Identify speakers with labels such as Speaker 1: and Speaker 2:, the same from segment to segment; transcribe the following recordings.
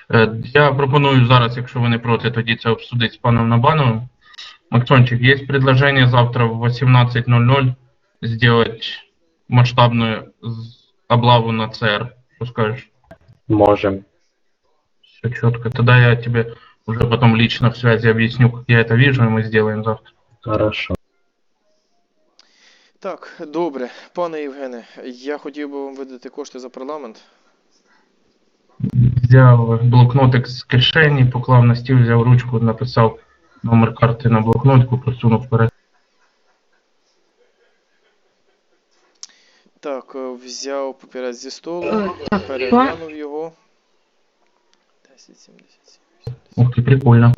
Speaker 1: Я пропоную зараз, якщо ви не проти, тоді це обсудити з паном Набановим. Максончик, есть предложение завтра в 18:00 сделать масштабную облаву на ЦР. Что скажешь?
Speaker 2: Можем.
Speaker 1: Все четко. Тогда я тебе уже потом лично в связи объясню, как я это вижу, и мы сделаем завтра.
Speaker 2: Хорошо.
Speaker 3: Так, добре. Пане Євгене, я хотів би вам видати кошти за парламент.
Speaker 1: Взяв блокнотик з кишені, поклав на стіл, взяв ручку, написав номер карти на блокнотику, просунув вперед.
Speaker 3: Так, взяв папірець зі столу, переглянув його. 10,77.
Speaker 1: Ух ти, прикольно.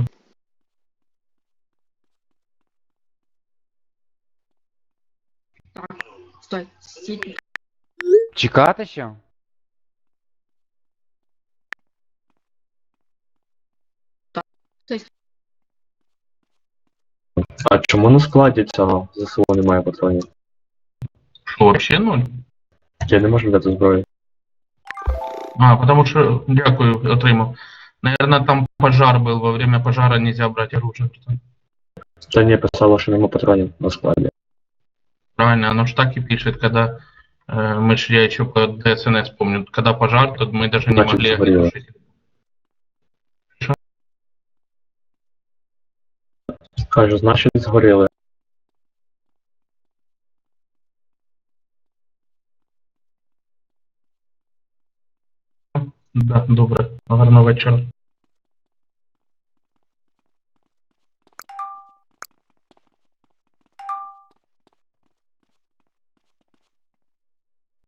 Speaker 4: Стой, стій.
Speaker 5: Чекати ще?
Speaker 2: А чому на складі цього ЗСУ немає патронів?
Speaker 1: Що, вообще ноль?
Speaker 2: Я не можу взяти зброю.
Speaker 1: А, потому что, дякую, отримав. Наверное, там пожар был, во время пожара нельзя брать оружие.
Speaker 2: Та ні, писало, що нема патронів на складі.
Speaker 1: Правильно, оно ж так и пишет, когда я еще по ДСНС помню, когда пожар, то мы даже не
Speaker 2: Значит,
Speaker 1: могли
Speaker 2: сгорело.
Speaker 1: тушить.
Speaker 2: Кажу, значить згоріли.
Speaker 1: Да, добре. Гарного вечора.